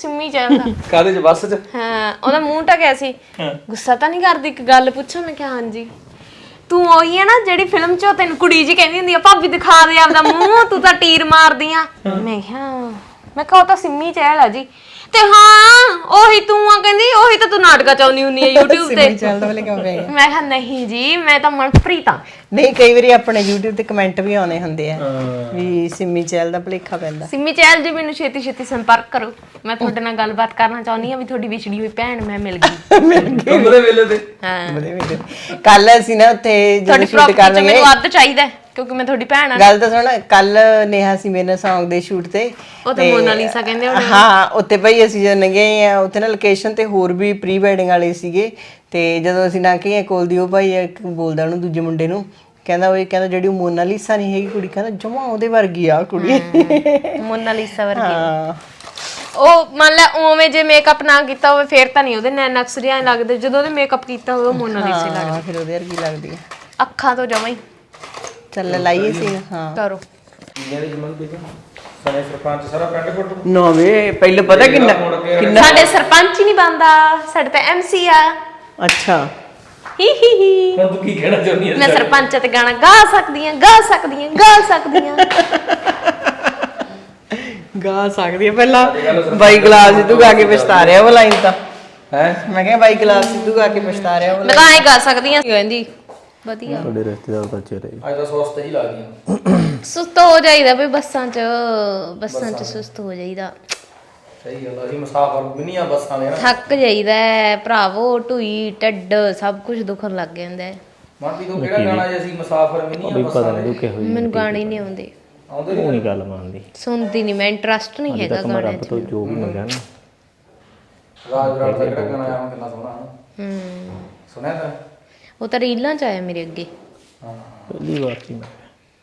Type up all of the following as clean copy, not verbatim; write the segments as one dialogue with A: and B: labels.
A: ਸਿੰਮੀ ਚਹਿਲ ਦਾ।
B: ਕਾਹਦੇ ਚ? ਬੱਸ ਚ?
A: ਹਾਂ, ਉਹਦਾ ਮੂੰਹ ਢਕਿਆ ਸੀ। ਗੁੱਸਾ ਤਾਂ ਨਹੀਂ ਕਰਦੀ? ਇੱਕ ਗੱਲ ਪੁੱਛਾਂ? ਮੈਂ ਕਿਹਾ ਹਾਂਜੀ। ਤੂੰ ਉਹੀ ਹੈ ਨਾ ਜਿਹੜੀ ਫਿਲਮ 'ਚ ਤੈਨੂੰ ਕੁੜੀ ਜੀ ਕਹਿੰਦੀ ਹੁੰਦੀ ਆ ਭਾਬੀ ਦਿਖਾ ਦੇ ਆਪਦਾ ਮੂੰਹ, ਤੂੰ ਤਾਂ ਟੀਰ ਮਾਰਦੀ ਆ। ਮੈਂ ਕਿਹਾ ਉਹ ਤਾਂ ਸਿੰਮੀ ਚਹਿਲ ਆ ਜੀ। ਤੇ ਹਾਂ ਉਹੀ ਤੂੰ ਆ ਕਹਿੰਦੀ, ਉਹੀ ਤਾਂ ਤੂੰ ਨਾਟਕਾਂ ਚ ਆਉਂਦੀ ਹੁੰਦੀ ਆ YouTube ਤੇ।
C: ਸਿੰਮੀ ਚਹਿਲ ਵਾਲੇ ਕਿਉਂ ਪੈ ਗਏ?
A: ਮੈਂ ਕਿਹਾ ਨਹੀਂ ਜੀ, ਮੈਂ ਤਾਂ ਮਨਪ੍ਰੀਤ ਆ।
C: ਨਹੀਂ, ਕਈ ਵਾਰੀ ਆਪਣੇ YouTube ਤੇ ਕਮੈਂਟ ਵੀ ਆਉਣੇ ਹੁੰਦੇ ਆ ਵੀ ਸਿੰਮੀ ਚਹਿਲ ਦਾ ਭੁਲੇਖਾ ਪੈਂਦਾ।
A: ਸਿੰਮੀ ਚਹਿਲ ਜੀ, ਮੈਨੂੰ ਛੇਤੀ ਛੇਤੀ ਸੰਪਰਕ ਕਰੋ। ਮੈਂ ਤੁਹਾਡੇ ਨਾਲ ਗੱਲਬਾਤ ਕਰਨਾ ਚਾਹੁੰਦੀ ਆ ਵੀ ਤੁਹਾਡੀ ਵਿਛੜੀ ਹੋਈ ਭੈਣ ਮੈਂ ਮਿਲ ਗਈ।
B: ਕਮਰੇ ਵੇਲੇ ਤੇ।
A: ਹਾਂ,
C: ਕੱਲ ਅਸੀਂ ਨਾ ਉੱਥੇ
A: ਤੁਹਾਡੀ
C: ਸ਼ੂਟ ਕਰਨ
A: ਪ੍ਰੋਪਰਟੀ ਮੈਨੂੰ ਅੱਧ ਚਾਹੀਦਾ ਕਿਉਂਕਿ ਮੈਂ ਤੁਹਾਡੀ ਭੈਣ ਆ।
C: ਗੱਲ ਤਾਂ ਸੁਣ, ਕੱਲ ਨੇਹਾ ਸੀ ਮੇਰੇ ਨਾਲ Song ਦੇ ਸ਼ੂਟ ਤੇ।
A: ਉਹ ਤਾਂ ਮੋਨਾਲੀਸਾ ਕਹਿੰਦੇ ਹੋਣੇ।
C: ਹਾਂ, ਉੱਥੇ ਭਾਈ ਅਸੀਂ ਜਦੋਂ ਗਏ ਆ ਉੱਥੇ ਨਾ ਲੋਕੇਸ਼ਨ ਤੇ ਹੋਰ ਵੀ ਪ੍ਰੀ ਵੈਡਿੰਗ ਵਾਲੇ ਸੀਗੇ। ਤੇ ਜਦੋਂ ਅਸੀਂ ਨਾ ਕਿ ਕੋਲ ਦੀ ਉਹ ਭਾਈ ਇੱਕ ਬੋਲਦਾ ਉਹਨੂੰ ਦੂਜੇ ਮੁੰਡੇ ਨੂੰ, ਕਹਿੰਦਾ ਜਿਹੜੀ ਮੋਨਾਲੀਸਾ ਨਹੀਂ ਹੈਗੀ ਕੁੜੀ, ਕਹਿੰਦਾ ਜਮਾ ਉਹਦੇ ਵਰਗੀ ਆ ਕੁੜੀ।
A: ਮੋਨਾਲੀਸਾ ਵਰਗੀ। ਉਹ ਮੰਨ ਲੈ ਉਵੇਂ ਜੇ ਮੇਕਅਪ ਨਾ ਕੀਤਾ ਹੋਵੇ ਫੇਰ ਤਾਂ ਨਹੀਂ ਉਹਦੇ ਨੈਣ ਅਕਸਰੀਆਂ ਲੱਗਦੇ, ਜਦੋਂ ਉਹਦੇ ਮੇਕਅਪ ਕੀਤਾ ਹੋਵੇ ਉਹ ਮੋਨਾਲੀਸਾ ਲੱਗਦੀ।
C: ਫਿਰ ਉਹਦੇ ਵਰਗੀ ਲੱਗਦੀ ਆ
A: ਅੱਖਾਂ ਤੋਂ ਜਮਾ ਹੀ।
C: ਚੱਲ ਲਾਈਏ ਸੀ। ਹਾਂ
A: ਕਰੋ।
B: ਸਰਪੰਚ ਸਾਰਾ ਪਿੰਡ ਫੋਟੋ
C: ਨਾ ਵੇ, ਪਹਿਲੇ ਪਤਾ ਕਿੰਨਾ
A: ਸਾਡੇ ਸਰਪੰਚ ਹੀ ਨਹੀਂ ਬਣਦਾ, ਸਾਡੇ ਤਾਂ MC ਆ।
C: ਅੱਛਾ,
A: ਹੀ
B: ਹੁਣ ਤੂੰ ਕੀ ਕਹਿਣਾ ਚਾਹੁੰਦੀ ਹੈ?
A: ਮੈਂ ਸਰਪੰਚ ਤੇ ਗਾਣਾ ਗਾ ਸਕਦੀ ਆ।
C: ਗਾ ਸਕਦੀ ਆ। ਪਹਿਲਾਂ ਬਾਈ ਗਲਾਸ ਸਿੱਧੂ ਗਾ ਕੇ ਪਛਤਾ ਰਿਹਾ ਉਹ ਲਾਈਨ ਤਾਂ
B: ਹੈ।
C: ਮੈਂ ਕਿਹਾ ਬਾਈ ਗਲਾਸ ਸਿੱਧੂ ਗਾ ਕੇ ਪਛਤਾ ਰਿਹਾ ਉਹ।
A: ਮੈਂ ਤਾਂ ਐਂ ਗਾ ਸਕਦੀ ਆ। ਕਹਿੰਦੀ ਵਧੀਆ।
D: ਤੁਹਾਡੇ ਰਿਸ਼ਤੇਦਾਰ ਤਾਂ ਚਿਹਰੇ
B: ਅੱਜ ਤਾਂ ਸੋਸਤੇ ਹੀ ਲਾ ਗਈਆਂ।
A: ਸੁਸਤ ਹੋ ਜਾਈਦਾ ਬਈ ਬੱਸਾਂ 'ਚ ਸੁਸਤ ਹੋ ਜਾਈਦਾ।
B: ਸਹੀ ਗੱਲ ਆ, ਅਸੀਂ ਮੁਸਾਫਰ ਵੀ ਨਹੀਂ ਆ ਬੱਸਾਂ ਦੇ ਨਾ।
A: ਥੱਕ ਜਾਈਦਾ ਭਰਾਵੋ, ਢੂਈ ਢੱਡ ਸਭ ਕੁਝ ਦੁਖਣ ਲੱਗ ਜਾਂਦਾ।
B: ਮਾਪੀ ਤੋਂ ਕਿਹੜਾ ਗਾਣਾ ਜੇ ਅਸੀਂ ਮੁਸਾਫਰ ਵੀ ਨਹੀਂ ਆ ਬੱਸਾਂ ਦੇ?
D: ਦੁਖੇ ਹੋਏ
A: ਮੈਨੂੰ ਗਾਣੇ ਹੀ ਨਹੀਂ ਆਉਂਦੇ।
B: ਆਉਂਦੇ
D: ਉਹ ਨਹੀਂ ਗੱਲ ਮੰਨਦੀ।
A: ਸੁਣਦੀ ਨਹੀਂ ਮੈਂ, ਇੰਟਰਸਟ ਨਹੀਂ ਹੈਗਾ
D: ਮੈਂ
A: ਗਾਣਿਆਂ
D: ਰੱਬ
A: 'ਚ।
D: ਤੋਂ ਜੋ ਵੀ ਮੰਗਿਆ ਨਾ।
B: ਰਾਜ ਰਾਜ ਦਾ ਕਿਹੜਾ ਗਾਣਾ ਆਇਆ ਕਿੰਨਾ ਸੋਹਣਾ ਸੁਣਿਆ ਤਾਂ?
A: ਉਹ ਤਾਂ ਰੀਲਾਂ 'ਚ ਆਇਆ ਮੇਰੇ ਅੱਗੇ।
B: ਹਾਂ,
D: ਪਹਿਲੀ ਵਾਰ ਸੀ ਮੈਂ।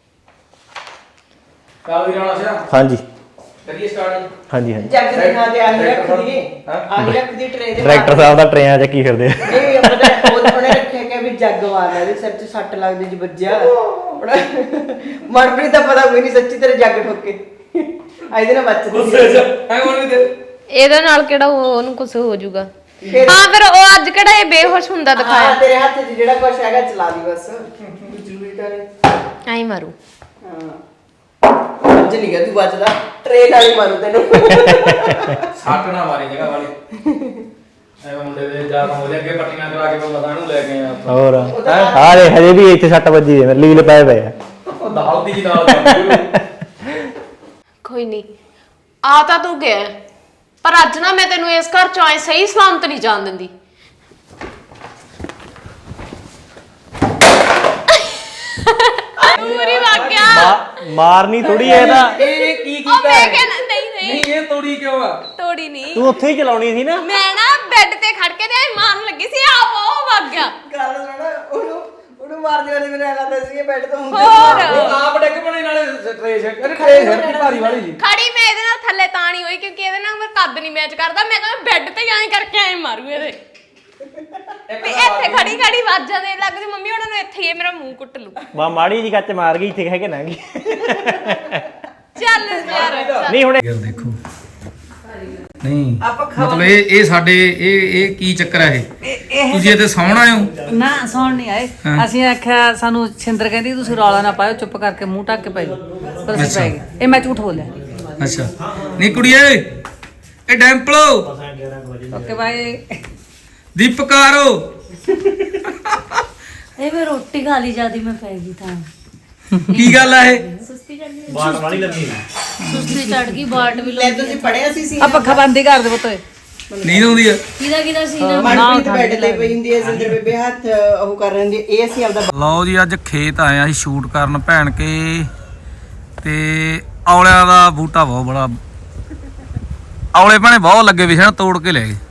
B: ਕਾਲ ਵੀ ਰਾਣਾ ਸਿਆ
D: ਹਾਂਜੀ
B: ਕਰੀਏ ਸਟਾਰਟ।
D: ਹਾਂਜੀ
C: ਜੱਗ ਦੇ ਨਾਂ ਤੇ ਆਹੀ ਰੱਖ ਦਈਏ, ਆਹੀ ਰੱਖ ਦੀ ਟਰੇ ਦੇ।
D: ਡਾਇਰੈਕਟਰ ਸਾਹਿਬ ਦਾ ਟਰੇਆਂ ਚੱਕੀ ਫਿਰਦੇ ਆ।
C: ਨਹੀਂ ਪਤਾ ਉਹਨੇ ਰੱਖਿਆ ਕਿ ਵੀ ਜੱਗ ਵਾਲਾ ਇਹਦੇ ਸਿਰ 'ਚ ਸੱਟ ਲੱਗਦੀ ਜੀ ਵੱਜਿਆ। ਮਨਪ੍ਰੀਤ ਦਾ ਪਤਾ ਕੋਈ ਨਹੀਂ, ਸੱਚੀ ਤੇਰੇ ਜੱਗ ਠੋਕੇ ਇਹਦੇ ਨਾਲ ਬਚਦੀ।
B: ਐ ਬੋਲ ਵੀ ਤੇ
A: ਇਹਦੇ ਨਾਲ ਕਿਹੜਾ ਉਹਨੂੰ ਕੁਝ ਹੋ ਜਾਊਗਾ। ਹਾਂ ਫਿਰ ਉਹ ਅੱਜ ਕਿਹੜਾ ਇਹ ਬੇਹੋਸ਼ ਹੁੰਦਾ ਦਿਖਾਇਆ।
C: ਤੇਰੇ ਹੱਥ 'ਚ ਜਿਹੜਾ ਕੁਛ ਹੈਗਾ ਚਲਾ ਦੀ ਬਸ, ਜ਼ਰੂਰੀ ਤਾਂ ਨਹੀਂ।
A: ਐਂ ਮਾਰੂ।
C: ਹਾਂ, ਅੱਜ ਨਹੀਂ ਗਾ ਤੂੰ ਬਚਦਾ, ਟ੍ਰੇਨ ਵਾਲੀ ਮਾਰੂ ਤੈਨੂੰ।
B: ਸੱਟ ਨਾ ਮਾਰੀ ਜਗ੍ਹਾ ਵਾਲੀ। ਐਵੇਂ ਮੁੰਡੇ ਦੇ ਜਾ ਹੋ ਅੱਗੇ ਪੱਟੀਆਂ ਕਰਾ ਕੇ ਮੈਂ ਮਸਾਂ ਨੂੰ ਲੈ ਕੇ ਆਇਆ ਉੱਥੋਂ।
D: ਹੋਰ ਹਾਰੇ ਹਜੇ ਵੀ ਇੱਥੇ 6 ਵਜੇ ਮੇਰੇ ਲੀਲ ਪਏ ਪਏ ਆ।
B: ਉਹ ਦਾਲ ਦੀ ਨਾਲ ਜਾਂਦੀ।
A: ਕੋਈ ਨਹੀਂ, ਆ ਤਾਂ ਤੂੰ ਗਿਆ ਪਰ ਅੱਜ ਨਾ ਮੈਂ ਤੈਨੂੰ ਇਸ ਘਰ ਚੋਂ ਸਹੀ ਸਲਾਮਤ ਨਹੀਂ ਜਾਣ ਦਿੰਦੀ। ਪੂਰੀ ਵਾਕਿਆ
D: ਮਾਰਨੀ ਥੋੜੀ ਐ ਤਾਂ।
B: ਇਹ ਕੀ
A: ਉਹ
B: ਕੀਤਾ?
A: ਮੈਂ ਕਿਹਾ ਨਹੀਂ
B: ਨਹੀਂ ਇਹ ਤੋੜੀ ਕਿਉਂ ਆ?
A: ਤੋੜੀ ਨਹੀਂ।
D: ਤੂੰ ਉੱਥੇ ਹੀ ਚਲਾਉਣੀ ਸੀ ਨਾ।
A: ਮੈਂ ਨਾ ਬੈੱਡ ਤੇ ਖੜ ਕੇ ਤੇ ਮਾਰਨ ਲੱਗੀ ਸੀ, ਆਪ ਉਹ ਵਗ ਗਿਆ।
C: ਗੱਲ ਸੁਣ, ਉਹਨੂੰ ਮਾਰਦੇ ਵਾਲੇ ਮੈਨੂੰ ਲੱਗਦਾ ਸੀ ਬੈੱਡ ਤੋਂ ਹੁੰਦੇ।
A: ਹੋਰ
B: ਉਹ ਆਪ ਡਿੱਗ ਪਣੇ ਨਾਲੇ ਟ੍ਰੇਸ ਛੱਡਦੀ ਭਾਰੀ ਵਾਲੀ ਜੀ।
A: ਖੜੀ ਮੈਂ ਇਹਦੇ ਨਾਲ ਥੱਲੇ ਤਾਂ ਨਹੀਂ ਹੋਈ ਕਿਉਂਕਿ ਇਹਦੇ ਨਾਲ ਮੇਰਾ ਕੱਦ ਨਹੀਂ ਮੈਚ ਕਰਦਾ। ਮੈਂ ਕਹਿੰਦਾ ਬੈੱਡ ਤੇ ਐਂ ਕਰਕੇ ਐਂ ਮਾਰੂ ਇਹਦੇ। ਵੀ ਇੱਥੇ ਖੜੀ ਆਵਾਜ਼ਾਂ ਦੇਣ ਲੱਗ ਗਈ, ਮੰਮੀ ਉਹਨਾਂ ਨੂੰ ਇੱਥੇ ਹੀ ਮੇਰਾ ਮੂੰਹ ਕੁੱਟ ਲੂ।
D: ਮਾੜੀ ਜੀ ਕੱਚ ਮਾਰ ਗਈ, ਇੱਥੇ ਕਹਿ ਕੇ ਨਾ ਗਈ।
A: ਚੱਲ ਯਾਰ
D: ਨਹੀਂ ਹੁਣ
B: ਯਾਰ ਦੇਖੋ ਨਹੀਂ ਮਤਲਬ ਇਹ ਸਾਡੇ ਇਹ ਕੀ ਚੱਕਰ ਹੈ? ਇਹ ਤੁਸੀਂ ਇੱਥੇ ਸੌਣ ਆਏ ਹੋ?
E: ਨਾ ਸੌਣ ਨਹੀਂ ਆਏ। ਅਸੀਂ ਆਖਿਆ, ਸਾਨੂੰ ਛਿੰਦਰ ਕਹਿੰਦੀ ਤੁਸੀਂ ਰੌਲਾ ਨਾ ਪਾਇਓ, ਚੁੱਪ ਕਰਕੇ ਮੂੰਹ ਢੱਕ ਕੇ ਪੈ ਜਾਓ। ਪਰ ਅਸੀਂ ਪੈ ਗਏ। ਇਹ ਮੈਂ ਝੂਠ ਬੋਲਿਆ।
B: ਅੱਛਾ ਨਹੀਂ ਕੁੜੀਏ, ਇਹ ਡੈਂਪਲੋ
E: ਓਕੇ ਬਾਏ।
B: ਦੀਪਕਾਰੋ
F: ਇਹ ਮੈਂ ਰੋਟੀ ਖਾ ਲਈ ਜਿਆਦੀ ਮੈਂ ਪੈ ਗਈ ਤਾਂ
B: ਕੀ ਗੱਲ ਆ ਇਹ?
D: ਬਾਟ ਵਾਲੀ ਲੱਗੀ
F: ਸੁਸਤੀ ਚੜ ਗਈ, ਬਾਟ ਵੀ
C: ਲੈ ਤੁਸੀਂ ਪੜਿਆ ਸੀ
E: ਆ ਪੱਖਾ ਬੰਦ ਹੀ ਕਰ ਦੇ ਪੁੱਤ।
B: ਨੀਂਦ ਆਉਂਦੀ ਆ?
F: ਕਿਹਦਾ ਸੀ ਨਾ।
C: ਮਨਪ੍ਰੀਤ ਬੈੱਡ ਤੇ ਪਈ ਹੁੰਦੀ ਹੈ, ਸਿੰਦਰ ਬੇਬੇ ਹੱਥ ਉਹ ਕਰ ਰਹੀ ਹੁੰਦੀ ਹੈ। ਇਹ ਅਸੀਂ ਆਪਦਾ
B: ਲਓ ਜੀ, ਅੱਜ ਖੇਤ ਆਏ ਆ ਅਸੀਂ ਸ਼ੂਟ ਕਰਨ ਭੈਣ ਕੇ, ਤੇ ਔਲਿਆਂ ਦਾ ਬੂਟਾ ਬਹੁਤ ਬੜਾ, ਔਲੇ ਭੈਣੇ ਬਹੁਤ ਲੱਗੇ ਵੀ ਸੀ, ਤੋੜ ਕੇ ਲੈ ਗਏ।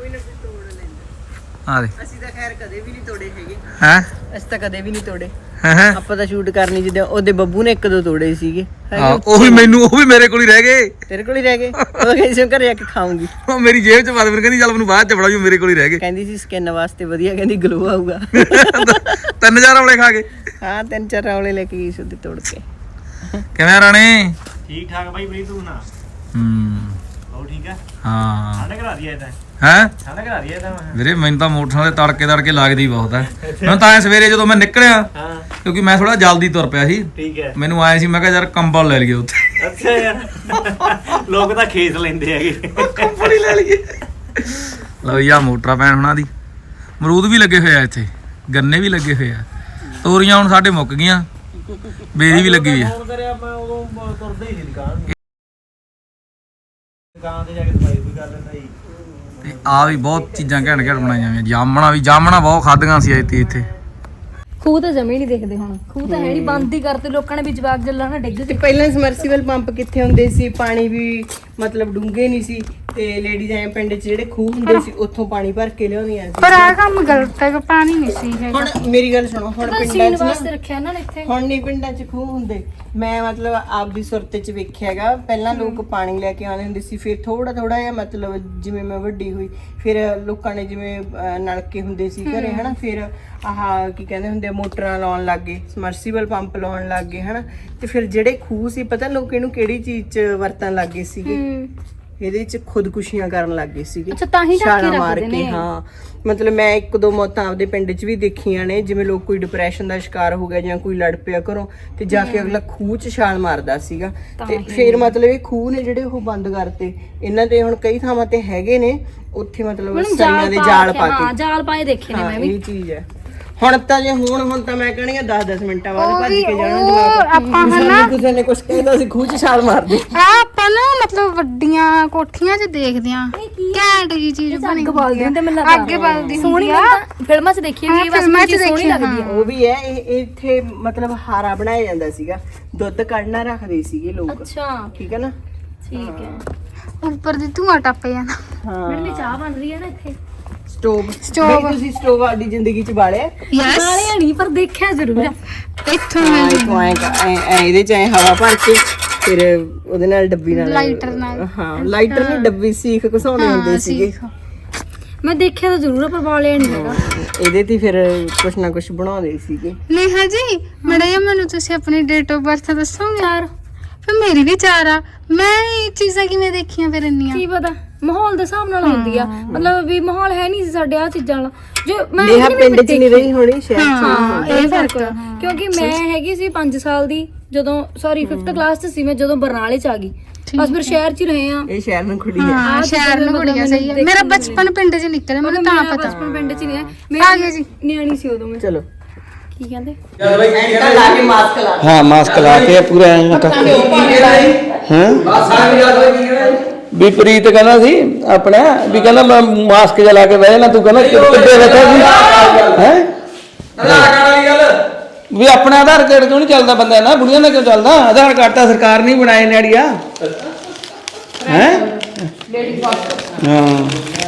B: ਆ ਦੇ
C: ਅਸੀਂ ਤਾਂ ਖੈਰ ਕਦੇ ਵੀ ਨਹੀਂ ਤੋੜੇ ਹੈਗੇ।
B: ਹੈ
C: ਅਸੀਂ ਤਾਂ ਕਦੇ ਵੀ ਨਹੀਂ ਤੋੜੇ।
B: ਹੈ
C: ਆਪਾਂ ਤਾਂ ਸ਼ੂਟ ਕਰਨੀ ਜਿੱਦਾਂ ਉਹਦੇ ਬੱਬੂ ਨੇ 1-2 ਤੋੜੇ ਸੀਗੇ।
B: ਉਹ ਵੀ ਮੇਰੇ ਕੋਲ ਹੀ ਰਹਿ ਗਏ।
C: ਤੇਰੇ ਕੋਲ ਹੀ ਰਹਿ ਗਏ। ਉਹ ਕਹਿੰਦੀ ਸੀ ਘਰੇ ਜਾ ਕੇ ਖਾਊਂਗੀ।
B: ਉਹ ਮੇਰੀ ਜੇਬ ਚ ਪਾ ਦੇ, ਫਿਰ ਕਹਿੰਦੀ ਚੱਲ ਮੈਨੂੰ ਬਾਅਦ ਚ ਫੜਾ, ਮੇਰੇ ਕੋਲ ਹੀ ਰਹਿ ਗਏ।
C: ਕਹਿੰਦੀ ਸੀ ਸਕਿਨ ਵਾਸਤੇ ਵਧੀਆ, ਕਹਿੰਦੀ ਗਲੋ ਆਊਗਾ।
B: 3000 ਔਲੇ ਖਾ ਗਏ।
C: ਹਾਂ 3-4 ਔਲੇ ਲੈ ਕੇ ਗਈ ਸੀ ਉਹਦੇ ਤੋੜ ਕੇ।
B: ਕਿਵੇਂ ਰਾਣੇ?
D: ਠੀਕ ਠਾਕ ਬਾਈ, ਬਰੀ ਤੂੰ ਨਾ
B: ਹੂੰ
D: ਹੋ ਠੀਕ ਆ।
B: ਹਾਂ
D: ਕਰਾ ਦਈਏ ਤਾਂ
B: ਹੈ
D: ਠੰਡ ਕਰਾ ਦਈਏ ਤਾਂ
B: ਵੀਰੇ ਮੈਨੂੰ ਤਾਂ ਮੋਟਰਸਾਈਕਲ ਤੇ ਤੜਕੇ ਲੱਗਦੀ ਬਹੁਤ ਹੈ ਮੈਨੂੰ ਤਾਂ ਐ ਸਵੇਰੇ ਜਦੋਂ ਮੈਂ ਨਿਕਲਿਆ
D: ਹਾਂ
B: ਕਿਉਂਕਿ ਮੈਂ ਥੋੜਾ ਜਲਦੀ ਤੁਰ ਪਿਆ ਸੀ
D: ਠੀਕ ਹੈ
B: ਮੈਨੂੰ ਆਏ ਸੀ ਮੈਂ ਕਿਹਾ ਯਾਰ ਕੰਬਲ ਲੈ ਲਈਏ ਉੱਥੇ
D: ਅੱਛਾ ਯਾਰ ਲੋਕ ਤਾਂ ਖੇਸ ਲੈਂਦੇ ਹੈਗੇ
B: ਕੰਬਲ ਹੀ ਲੈ ਲਈਏ ਲਓ ਯਾ ਮੋਟਰਾਂ ਪੈਣ ਹੁਣਾਂ ਦੀ ਅਮਰੂਦ ਵੀ ਲੱਗੇ ਹੋਏ ਆ ਇੱਥੇ ਗੰਨੇ ਵੀ ਲੱਗੇ ਹੋਏ ਆ ਤੋਰੀਆਂ ਹੁਣ ਸਾਡੇ ਮੁੱਕ ਗਈਆਂ ਬੇਰੀ ਵੀ ਲੱਗੀ ਹੋਈ ਆ
D: ਫੋਨ ਕਰਿਆ ਮੈਂ ਉਦੋਂ ਤੁਰਦਾ ਹੀ ਨਹੀਂ ਦੁਕਾਨ ਤੇ ਜਾ ਕੇ ਸਫਾਈ ਵੀ ਕਰ ਲੈਂਦਾ ਜੀ
B: ਤੇ ਆ ਵੀ ਬਹੁਤ ਚੀਜ਼ਾਂ ਘੈਂਟ ਬਣਾਈਆਂ ਹੋਈਆਂ ਜਾਮਣਾ ਬਹੁਤ ਖਾਧੀਆਂ ਸੀ ਇੱਥੇ
G: ਖੂਹ ਤਾਂ ਜਮੇ ਨਹੀਂ ਦੇਖਦੇ ਹੁਣ ਖੂਹ ਤਾਂ ਹੈ ਨਹੀਂ ਬੰਦ ਹੀ ਕਰਤੇ ਲੋਕਾਂ ਨੇ ਵੀ ਜਵਾਕ ਜੱਲਾ ਨਾ ਡਿੱਗ
C: ਤੇ ਪਹਿਲਾਂ ਸਮਰਸੀਬਲ ਪੰਪ ਕਿੱਥੇ ਹੁੰਦੇ ਸੀ ਪਾਣੀ ਵੀ ਮਤਲਬ ਡੂੰਘੇ ਨਹੀਂ ਸੀ ਤੇ ਲੇਡੀਜ਼ ਐ ਪਿੰਡ 'ਚ ਜਿਹੜੇ ਖੂਹ ਹੁੰਦੇ ਸੀ ਉੱਥੋਂ ਪਾਣੀ ਭਰ ਕੇ ਲਿਆਉਂਦੀਆਂ ਸੀ
G: ਪਰ ਆ ਕੰਮ ਗਲਤ ਹੈ ਕਿ ਪਾਣੀ ਨਹੀਂ ਸੀ ਹੈਗਾ
C: ਹੁਣ ਮੇਰੀ ਗੱਲ ਸੁਣੋ ਹੁਣ ਪਿੰਡਾਂ 'ਚ
G: ਸੀਨ
C: ਨਾ
G: ਵਾਸਤੇ ਰੱਖਿਆ ਇਹਨਾਂ ਨੇ ਇੱਥੇ
C: ਹੁਣ ਨਹੀਂ ਪਿੰਡਾਂ 'ਚ ਖੂਹ ਹੁੰਦੇ ਮੈਂ ਮਤਲਬ ਆਪਦੀ ਸੁਰਤ 'ਚ ਵੇਖਿਆਗਾ ਪਹਿਲਾਂ ਲੋਕ ਪਾਣੀ ਲੈ ਕੇ ਆਉਂਦੇ ਹੁੰਦੇ ਸੀ ਫਿਰ ਥੋੜਾ ਜਿਹਾ ਮਤਲਬ ਜਿਵੇਂ ਮੈਂ ਵੱਡੀ ਹੋਈ ਫਿਰ ਲੋਕਾਂ ਨੇ ਜਿਵੇਂ ਨਲਕੇ ਹੁੰਦੇ ਸੀ ਘਰੇ ਹਨਾ ਫਿਰ ਆਹ ਕੀ ਕਹਿੰਦੇ ਹੁੰਦੇ ਆ ਮੋਟਰਾਂ ਲਾਉਣ ਲੱਗ ਗਏ ਸਮਰਸੀਬਲ ਪੰਪ ਲਾਉਣ ਲੱਗ ਗਏ ਹਨਾ ਤੇ ਫਿਰ ਜਿਹੜੇ ਖੂਹ ਸੀ ਪਤਾ ਲੋਕ ਇਹਨੂੰ ਕਿਹੜੀ ਚੀਜ਼ 'ਚ ਵਰਤਣ ਲੱਗ ਗਏ ਸੀਗੇ ਇਹਦੇ 'ਚ ਖੁਦਕੁਸ਼ੀਆਂ ਕਰਨ ਲੱਗ ਗਏ ਸੀਗੇ
G: ਅੱਛਾ ਤਾਂ ਹੀ ਢੱਕ ਕੇ
C: ਛਾਲਾਂ ਮਾਰ
G: ਰੱਖਦੇ
C: ਕੇ
G: ਨੇ
C: ਹਾਂ ਮਤਲਬ ਮੈਂ ਇੱਕ ਦੋ ਮੌਤਾਂ ਆਪਦੇ ਪਿੰਡ 'ਚ ਵੀ ਦੇਖੀਆਂ ਨੇ ਜਿਵੇਂ ਲੋਕ ਕੋਈ ਡਿਪਰੈਸ਼ਨ ਦਾ ਸ਼ਿਕਾਰ ਹੋ ਗਿਆ ਜਾਂ ਕੋਈ ਲੜ ਪਿਆ ਘਰੋਂ ਤੇ ਜਾ ਕੇ ਅਗਲਾ ਖੂਹ 'ਚ ਛਾਲ ਮਾਰਦਾ ਸੀਗਾ ਤੇ ਫਿਰ ਮਤਲਬ ਇਹ ਖੂਹ ਨੇ ਜਿਹੜੇ ਉਹ ਬੰਦ ਕਰਤੇ ਇਹਨਾਂ ਦੇ ਹੁਣ ਕਈ ਥਾਵਾਂ ਤੇ ਹੈਗੇ ਨੇ ਉੱਥੇ ਮਤਲਬ ਸਰੀਆਂ ਦੇ ਜਾਲ ਪਾ ਕੇ
G: ਹਾਂ ਜਾਲ ਪਾਏ ਦੇਖੇ ਨੇ ਮੈਂ ਵੀ
C: ਇਹ ਚੀਜ਼ ਹੈ ਹੁਣ ਤਾਂ ਜੇ ਹੁਣ ਤਾਂ ਮੈਂ ਕਹਣੀ 10-10 ਮਿੰਟਾਂ ਬਾਅਦ ਭੱਜ ਕੇ ਜਾਣਾ ਜਵਾਬ
G: ਆਪਾਂ ਹਨਾ
C: ਕਿਸੇ ਨੇ ਕੁਝ ਕਹਿੰਦਾ ਸੀ ਖੂਹ 'ਚ ਛਾਲ ਮਾਰਦੇ
G: ਆਪਾਂ ਨਾ ਮਤਲਬ ਵੱਡੀਆਂ ਕੋਠੀਆਂ 'ਚ ਦੇਖਦੇ ਆ ਘੈਂਟ ਜੀ ਚੀਜ਼ ਬਣੀ
F: ਬਲਦੀ ਹੁੰਦੇ ਮੈਨੂੰ ਲੱਗਦਾ
G: ਅੱਗੇ ਬਲਦੀ
F: ਸੋਹਣੀ ਫਿਲਮਾਂ 'ਚ ਦੇਖੀ ਹੋਈ ਬਸ
G: ਫਿਲਮਾਂ 'ਚ
F: ਮੈਨੂੰ ਸੋਹਣੀ
G: ਦੇਖੀ,
F: ਲੱਗਦੀ ਹੈ
C: ਉਹ ਵੀ ਹੈ ਇਹ ਇੱਥੇ ਮਤਲਬ ਹਾਰਾ ਬਣਾਇਆ ਜਾਂਦਾ ਸੀਗਾ ਦੁੱਧ ਕੱਢਣਾ ਰੱਖਦੇ ਸੀਗੇ ਲੋਕ
F: ਅੱਛਾ
C: ਠੀਕ ਹੈ ਨਾ
F: ਠੀਕ ਹੈ
G: ਉੱਪਰ ਦੀ ਧੂਆਂ ਟੱਪ ਜਾਂਦਾ
C: ਹਾਂ
F: ਮੇਰੀ ਚਾਹ ਬਣ ਰਹੀ ਹੈ ਨਾ ਇੱਥੇ
C: ਸਟੋਵ ਬਈ ਤੁਸੀਂ ਸਟੋਵ ਆਦੀ ਜ਼ਿੰਦਗੀ 'ਚ ਬਾਲਿਆ
G: ਯੈਸ
F: ਨਾਲੇ ਨਹੀਂ ਪਰ ਦੇਖਿਆ ਜ਼ਰੂਰ ਹੈ
G: ਇੱਥੋਂ
C: ਹਾਂ ਇੱਥੋਂ ਐ ਇਹਦੇ 'ਚ ਐ ਹਵਾ ਭਰ ਕੇ ਫਿਰ ਉਹਦੇ ਨਾਲ ਡੱਬੀ ਨਾਲ
G: ਲਾਈਟਰ ਨਾਲ
C: ਹਾਂ ਲਾਈਟਰ ਨਹੀਂ ਡੱਬੀ ਸੀਖ ਘਸਾਉਣੇ ਹੁੰਦੇ ਸੀਗੇ
F: ਮੈਂ ਦੇਖਿਆ ਤਾਂ ਜ਼ਰੂਰ ਹੈ ਪਰ ਵਾਲਿਆ ਨਹੀਂ ਹੈਗਾ
C: ਇਹਦੇ ਤੇ ਫਿਰ ਕੁਛ ਨਾ ਕੁਛ ਬਣਾਉਂਦੇ ਸੀਗੇ
G: ਨੇਹਾ ਜੀ ਮੜਿਆ ਮੈਨੂੰ ਤੁਸੀਂ ਆਪਣੀ ਡੇਟ ਆਫ ਬਰਥ ਦੱਸੋਗੇ ਯਾਰ ਫਿਰ ਮੇਰੀ ਵੀ 4 ਆ ਮੈਂ ਇਹ ਚੀਜ਼ਾਂ ਕਿਵੇਂ ਦੇਖੀਆਂ ਫਿਰ ਇੰਨੀਆਂ
F: ਕੀ ਪਤਾ ਮਾਹੌਲ ਦੇ ਹਿਸਾਬ ਨਾਲ ਹੁੰਦੀ ਆ ਮਤਲਬ ਵੀ ਮਾਹੌਲ ਹੈ ਨਹੀਂ ਸੀ ਸਾਡੇ ਆ ਚੀਜ਼ਾਂ ਵਾਲਾ ਜੋ ਮੈਂ
C: ਨੇਹਾ
F: ਇਹਦੀ
C: ਪਿੰਡ 'ਚ ਨਹੀਂ ਰਹੀ ਹੋਣੀ ਸ਼ਹਿਰ 'ਚ
F: ਹਾਂ ਇਹ ਫਰਕ ਆ ਕਿਉਂਕਿ ਮੈਂ ਹੈਗੀ ਸੀ 5 ਸਾਲ ਦੀ ਜਦੋਂ ਸੌਰੀ 5th ਕਲਾਸ 'ਚ ਸੀ ਮੈਂ ਜਦੋਂ ਬਰਨਾਲੇ 'ਚ ਆ ਗਈ ਬਸ ਫਿਰ ਸ਼ਹਿਰ 'ਚ ਹੀ ਰਹੇ ਆ
C: ਇਹ ਸ਼ਹਿਰ ਨੂੰ ਖੁੱਡੀ ਹੈ
G: ਹਾਂ ਸ਼ਹਿਰ ਨੂੰ ਕੁੜੀਆਂ ਸਹੀ ਹੈ ਮੇਰਾ ਬਚਪਨ ਪਿੰਡ 'ਚ ਨਿਕਲਿਆ ਮੈਨੂੰ ਤਾਂ ਪਤਾ
F: ਬਚਪਨ ਪਿੰਡ 'ਚ ਨਹੀਂ
G: ਆ ਗਿਆ ਜੀ
F: ਨਿਆਣੀ ਸੀ ਉਦੋਂ ਮੈਂ
C: ਚਲੋ
F: ਕੀ ਕਹਿੰਦੇ
C: ਐਂਟਾ ਲਾ ਕੇ ਮਾਸਕ ਲਾ
D: ਹਾਂ ਮਾਸਕ ਲਾ ਕੇ ਪੂਰਾ ਐਂ ਕਰਕੇ ਹਾਂ ਵੀ ਪ੍ਰੀਤ ਕਹਿੰਦਾ ਸੀ ਆਪਣਾ ਵੀ ਕਹਿੰਦਾ ਮੈਂ ਮਾਸਕ ਜਿਹਾ ਲਾ ਕੇ ਬਹਿ ਜਾਣਾ ਤੂੰ ਕਹਿੰਦਾ ਕਿੱਥੇ ਬੈਠਾ ਸੀ ਹੈ ਵੀ ਆਪਣਾ ਆਧਾਰ ਕਾਰਡ ਕਿਉਂ ਨਹੀਂ ਚੱਲਦਾ ਬੰਦਾ ਨਾ ਬੁੜੀਆਂ ਦਾ ਕਿਉਂ ਚੱਲਦਾ ਆਧਾਰ ਕਾਰਡ ਤਾਂ ਸਰਕਾਰ ਨਹੀਂ ਬਣਾਏ ਨੇੜੀਆ ਹੈ ਹਾਂ